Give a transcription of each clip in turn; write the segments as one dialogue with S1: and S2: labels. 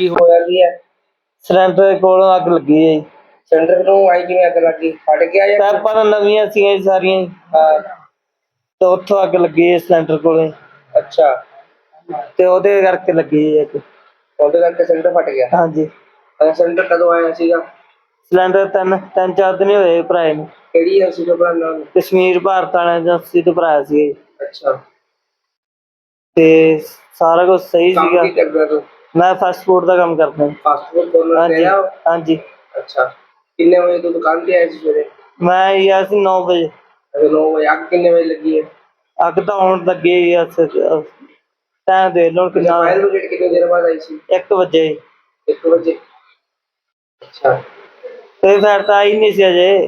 S1: ਕੀ ਹੋਇਆ ਕੀ ਹੈ?
S2: ਸਿਲੰਡਰ ਕੋਲੋਂ ਅੱਗ ਲੱਗੀ ਹੈ ਜੀ।
S1: ਸਿਲੰਡਰ ਨੂੰ ਆਈ ਕਿਵੇਂ ਅੱਗ ਲੱਗੀ? ਫਟ ਗਿਆ ਜਾਂ
S2: ਪਾਈਪਾਂ ਤਾਂ ਨਵੀਆਂ ਸੀਗੀਆਂ ਜੀ ਸਾਰੀਆਂ ਜੀ,
S1: ਹਾਂ?
S2: ਤੇ ਉੱਥੋਂ ਅੱਗ ਲੱਗੀ ਹੈ ਸਿਲੰਡਰ ਕੋਲੇ,
S1: ਅੱਛਾ,
S2: ਤੇ ਉਹਦੇ ਕਰਕੇ ਲੱਗੀ ਹੈ ਇੱਕ।
S1: ਉਹਦੇ ਕਰਕੇ ਸਿਲੰਡਰ ਫਟ ਗਿਆ।
S2: ਹਾਂਜੀ।
S1: ਸਿਲੰਡਰ ਕਦੋਂ ਆਇਆ ਸੀਗਾ?
S2: ਸਿਲੰਡਰ ਤਿੰਨ ਚਾਰ ਦਿਨ ਹੀ ਹੋਏ ਭਰਾਏ ਨੂੰ।
S1: ਕਿਹੜੀ ਏਜੰਸੀ ਤੋਂ ਭਰਾਇਆ ਨਾਮ?
S2: ਕਸ਼ਮੀਰ ਭਾਰਤ ਵਾਲੇ ਏਜੰਸੀ ਤੋਂ ਭਰਾਇਆ ਸੀ ਜੀ।
S1: ਅੱਛਾ,
S2: ਤੇ ਸਾਰਾ ਕੁਝ ਸਹੀ
S1: ਕੰਮ
S2: ਸੀਗਾ।
S1: ਕੀ ਕਰਦਾ ਤੂੰ?
S2: ਮੈਂ ਫਾਸਟ ਫੂਡ ਦਾ ਕੰਮ ਕਰਦਾ।
S1: ਫਾਸਟ ਫੂਡ ਕੋਰਨਰ ਤੇ
S2: ਹਾਂਜੀ
S1: ਆਇਆ?
S2: ਹਾਂਜੀ।
S1: ਅੱਛਾ, ਕਿੰਨੇ ਵਜੇ ਤੂੰ ਦੁਕਾਨ ਤੇ ਆਇਆ ਸੀ ਸਵੇਰੇ?
S2: ਮੈਂ ਗਿਆ ਸੀ 9 ਵਜੇ।
S1: 9 ਵਜੇ। ਅੱਗ ਕਿੰਨੇ ਵਜੇ ਲੱਗੀ ਹੈ?
S2: ਅੱਗ ਤਾਂ ਹੁਣ ਲੱਗੀ ਹੈ ਟਾਈਮ ਦੇਖ ਲਓ ਕਿੰਨਾ।
S1: ਫਾਇਰ ਬ੍ਰਿਗੇਡ ਕਿੰਨੀ ਦੇਰ ਬਾਅਦ ਆਈ ਸੀ?
S2: 1 ਵਜੇ।
S1: 1 ਵਜੇ। ਅੱਛਾ,
S2: ਕੋਈ ਫਾਇਰ ਤਾਂ ਆਈ ਨਹੀਂ ਸੀ ਅਜੇ।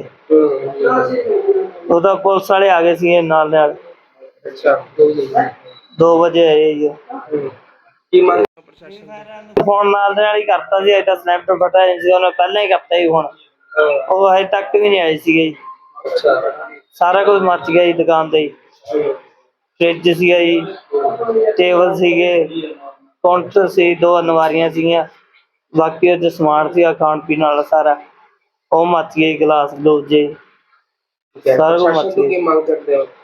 S2: ਉਹਦਾ ਪੁਲਿਸ ਵਾਲੇ ਆ ਗਏ ਸੀ ਨਾਲ ਨਾਲ।
S1: ਅੱਛਾ,
S2: 2 ਵਜੇ ਆਏ ਜੀ।
S1: ਕੀ ਮੰਗ?
S2: ਫੋਨ ਨਾਲ ਦੇ ਨਾਲ ਹੀ ਕਰਤਾ ਸੀ, ਅਜੇ ਤਾਂ ਸਿਲੰਡਰ ਫਟਿਆ ਨਹੀਂ ਸੀ, ਉਹਨੇ ਪਹਿਲਾਂ ਹੀ ਕਰਤਾ ਸੀ ਫੋਨ। ਉਹ ਹਜੇ ਤੱਕ ਵੀ ਨਹੀਂ ਆਏ ਸੀਗੇ ਜੀ।
S1: ਅੱਛਾ,
S2: ਸਾਰਾ ਕੁਝ ਮੱਚ ਗਿਆ ਜੀ ਦੁਕਾਨ ਤੇ ਜੀ। ਫਰਿੱਜ ਸੀਗਾ ਜੀ, ਟੇਬਲ ਸੀਗੇ, ਕਾਊਂਟਰ ਸੀ, 2 ਅਲਮਾਰੀਆਂ ਸੀਗੀਆਂ, ਬਾਕੀ ਉਹਦੇ ਸਮਾਨ ਸੀਗਾ ਖਾਣ ਪੀਣ ਵਾਲਾ ਸਾਰਾ, ਉਹ ਮੱਚ ਗਿਆ ਜੀ। ਗਲਾਸ ਗਲੂਸ ਜੇ ਸਾਰਾ ਕੁਝ ਮੱਚ ਗਿਆ।
S1: ਕੀ ਮੰਗ ਕਰਦੇ ਹੋ?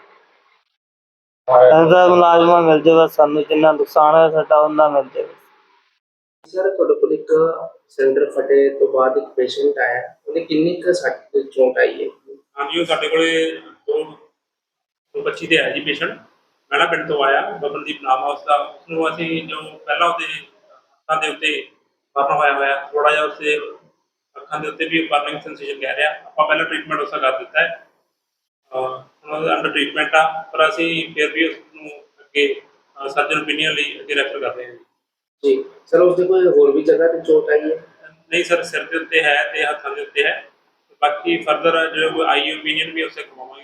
S2: ਇਹਦਾ ਮੁਲਾਜ਼ਮਾਂ ਮਿਲ ਜਾਵੇ ਸਾਨੂੰ, ਜਿੰਨਾ ਨੁਕਸਾਨ ਹੋਇਆ ਸਾਡਾ ਉਹਨਾਂ ਮਿਲ ਜਾਵੇ।
S1: ਸਰ, ਤੁਹਾਡੇ ਕੋਲ ਇੱਕ ਸਿਲੰਡਰ ਫਟੇ ਤੋਂ ਬਾਅਦ ਇੱਕ ਪੇਸ਼ੈਂਟ ਆਇਆ, ਉਹਨੇ ਕਿੰਨੀ ਕੁ ਸੱਟ ਚੋਟ ਆਈ ਹੈ?
S3: ਹਾਂਜੀ, ਉਹ ਸਾਡੇ ਕੋਲੇ 225 ਤੇ ਆਇਆ ਜੀ ਪੇਸ਼ੈਂਟ। ਮੈਣਾ ਪਿੰਡ ਤੋਂ ਆਇਆ, ਬਬਨਦੀਪ ਨਾਮ ਆ ਉਸਦਾ। ਉਸਨੂੰ ਅਸੀਂ ਜੋ ਪਹਿਲਾਂ ਉਹਦੇ ਅੱਖਾਂ ਦੇ ਉੱਤੇ ਬਰਨ ਹੋਇਆ ਥੋੜਾ ਜਿਹਾ, ਉਸਦੇ ਅੱਖਾਂ ਦੇ ਉੱਤੇ ਵੀ ਬਰਨਿੰਗ ਸੈਂਸੇਸ਼ਨ ਕਹਿ ਰਿਹਾ। ਆਪਾਂ ਪਹਿਲਾਂ ਟ੍ਰੀਟਮੈਂਟ ਉਸਦਾ ਕਰ ਦਿੱਤਾ ਹੈ, ਹੁਣ ਉਹਦਾ ਅੰਡਰ ਟ੍ਰੀਟਮੈਂਟ ਆ, ਪਰ ਅਸੀਂ ਫਿਰ ਵੀ ਉਸਨੂੰ ਅੱਗੇ ਸਰਜਨ ਓਪੀਨੀਅਨ ਲਈ ਅੱਗੇ ਰੈਫਰ ਕਰ ਰਹੇ ਹਾਂ
S1: ਜੀ। ਸਰ, ਉਸਦੇ ਕੋਈ ਹੋਰ ਵੀ ਜਗ੍ਹਾ ਤੇ ਚੋਟ ਆਈ ਹੈ?
S3: ਨਹੀਂ ਸਰ, ਸਿਰ ਦੇ ਉੱਤੇ ਹੈ ਤੇ ਹੱਥਾਂ ਦੇ ਉੱਤੇ ਹੈ। ਬਾਕੀ ਫਰਦਰ ਜੋ ਆਈ ਓਪੀਨੀਅਨ ਵੀ ਉਸੇ ਕਰਵਾਵਾਂਗੇ।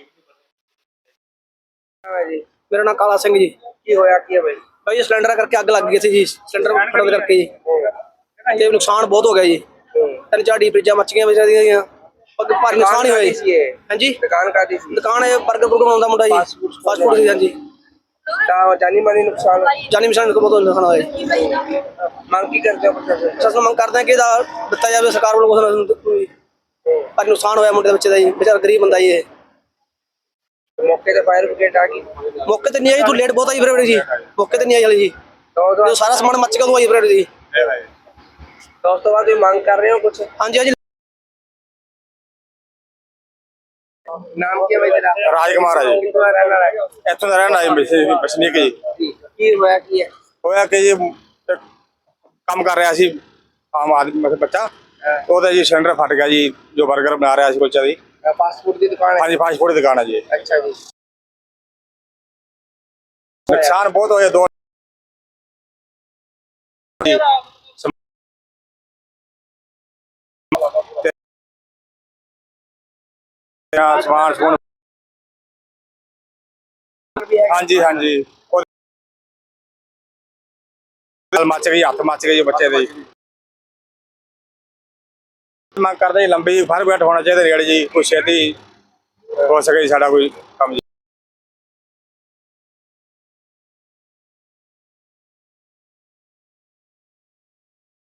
S4: ਮੇਰਾ ਨਾਮ ਕਾਲਾ ਸਿੰਘ ਜੀ।
S1: ਕੀ ਹੋਇਆ ਕੀ ਹੈ ਬਾਈ?
S4: ਭਾਈ ਸਿਲੰਡਰ ਕਰਕੇ ਅੱਗ ਲੱਗ ਗਈ ਸੀ ਜੀ, ਸਿਲੰਡਰ ਫਟਣ ਕਰਕੇ ਜੀ, ਤੇ ਨੁਕਸਾਨ ਬਹੁਤ ਹੋ ਗਿਆ ਜੀ। 3-4 ਡੀਪ ਫਰਿੱਜਾਂ ਮੱਚ ਗਈਆਂ ਵਿਚਾਰੀਆਂ ਦੀਆਂ, ਭਾਰੀ ਨੁਕਸਾਨ ਹੀ ਹੋਇਆ ਜੀ। ਹਾਂਜੀ,
S1: ਦੁਕਾਨ ਕਾਹਦੀ ਸੀ?
S4: ਦੁਕਾਨ ਇਹ ਬਰਗਰ ਬੁਰਗਰ ਬਣਾਉਂਦਾ ਮੁੰਡਾ ਜੀ, ਫਾਸਟ ਫੂਡ ਦੀ। ਹਾਂਜੀ,
S1: ਤਾਂ ਜਾਨੀ ਮਾਨੀ ਨੁਕਸਾਨ?
S4: ਜਾਨੀ ਨੁਕਸਾਨ ਬਹੁਤ ਨੁਕਸਾਨ ਹੋਇਆ ਜੀ।
S1: ਮੰਗ ਕੀ ਕਰਦੇ ਹੋ ਪ੍ਰਸ਼ਾਸਨ?
S4: ਸਰ, ਮੰਗ ਕਰਦੇ ਹਾਂ ਕਿ ਇਹਦਾ ਦਿੱਤਾ ਜਾਵੇ ਸਰਕਾਰ ਵੱਲੋਂ ਕੁਛ। ਭਾਰੀ ਨੁਕਸਾਨ ਹੋਇਆ ਮੁੰਡੇ ਦੇ ਬੱਚੇ ਦਾ ਜੀ, ਵਿਚਾਰਾ ਗਰੀਬ ਬੰਦਾ ਜੀ ਇਹ।
S1: ਮੌਕੇ ਤੇ ਫਾਇਰ ਬ੍ਰਿਗੇਡ ਆ ਗਈ?
S4: ਮੌਕੇ ਤੇ ਨਹੀਂ ਆਈ, ਤੂੰ ਲੇਟ ਬਹੁਤ ਆਈ ਫਿਰ ਜੀ, ਮੌਕੇ ਤੇ ਨਹੀਂ ਆਈ ਹਲੇ ਜੀ। ਜੋ ਸਾਰਾ ਸਮਾਨ ਮੱਚ ਗਿਆ, ਉਹ ਆਈ ਫਿਰ ਜੀ।
S1: ਤਾਂ ਉਸ ਤੋਂ ਬਾਅਦ ਤੁਸੀਂ ਮੰਗ ਕਰ ਰਹੇ ਹੋ ਕੁਛ?
S4: ਹਾਂਜੀ ਹਾਂਜੀ।
S1: ਨਾਮ ਕੀ ਹੈ ਬਾਈ ਤੇਰਾ?
S5: ਰਾਜ ਕੁਮਾਰ ਹੈ ਜੀ।
S1: ਕਿੱਥੋਂ ਦਾ ਰਹਿਣ ਵਾਲਾ ਹੈ?
S5: ਇੱਥੋਂ ਦਾ ਰਹਿਣ ਆਏ ਵਸਨੀਕ ਜੀ।
S1: ਕੀ ਹੋਇਆ ਕੀ ਹੈ?
S5: ਹੋਇਆ ਕਿ ਜੀ ਕੰਮ ਕਰ ਰਿਹਾ ਸੀ ਆਮ ਆਦਮੀ ਮਤਲਬ ਬੱਚਾ, ਉਹਦਾ ਜੀ ਸਿਲੰਡਰ ਫਟ ਗਿਆ ਜੀ, ਜੋ ਬਰਗਰ ਬਣਾ ਰਿਹਾ ਸੀ ਕੁਲਚਾ ਦੀ।
S1: ਫਾਸਟ ਫੂਡ ਦੀ ਦੁਕਾਨ ਹੈ?
S5: ਹਾਂਜੀ, ਫਾਸਟ ਫੂਡ ਦੀ ਦੁਕਾਨ ਹੈ ਜੀ।
S1: ਅੱਛਾ ਜੀ।
S5: ਨੁਕਸਾਨ ਬਹੁਤ ਹੋਇਆ, 2 ਸਮਾਨ ਸਮੂਨ। ਹਾਂਜੀ ਹਾਂਜੀ, ਮੱਚ ਗਈ, ਹੱਥ ਮੱਚ ਗਈ ਬੱਚੇ ਦੇ। ਮੰਗ ਕਰਦੇ ਜੀ ਲੰਬੀ ਫਾਇਰ ਬ੍ਰਿਗੇਡ ਹੋਣਾ ਚਾਹੀਦਾ ਰੇਡ ਜੀ, ਕੋਈ ਛੇਤੀ ਹੋ ਸਕੇ ਜੀ ਸਾਡਾ ਕੋਈ